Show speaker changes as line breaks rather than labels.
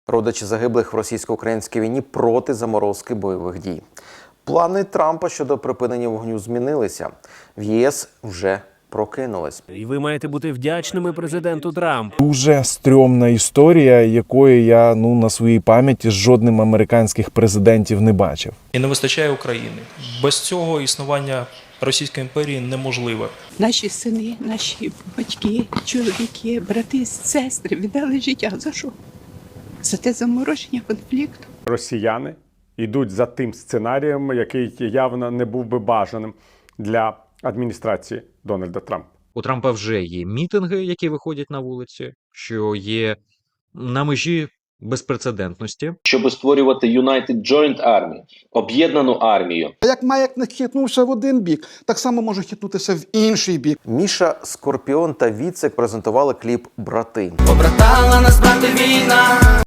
Родичі загиблих в російсько-українській війні проти заморозки бойових дій. Плани Трампа щодо припинення вогню змінилися. В ЄС вже прокинулись.
І ви маєте бути вдячними президенту Трампу.
Дуже стрьомна історія, якої я на своїй пам'яті з жодним американських президентів не бачив.
І не вистачає України. Без цього існування Російської імперії неможливе.
Наші сини, наші батьки, чоловіки, брати, сестри віддали життя. За що? За те замороження конфлікту.
Росіяни йдуть за тим сценарієм, який явно не був би бажаним для адміністрації Дональда Трампа.
У Трампа вже є мітинги, які виходять на вулиці, що є на межі безпрецедентності.
Щоб створювати United Joint Army, об'єднану армію.
Як маяк не хитнувся в один бік, так само може хитнутися в інший бік.
Міша Скорпіон та Віцек презентували кліп «Брати».
Побратала нас брати війна.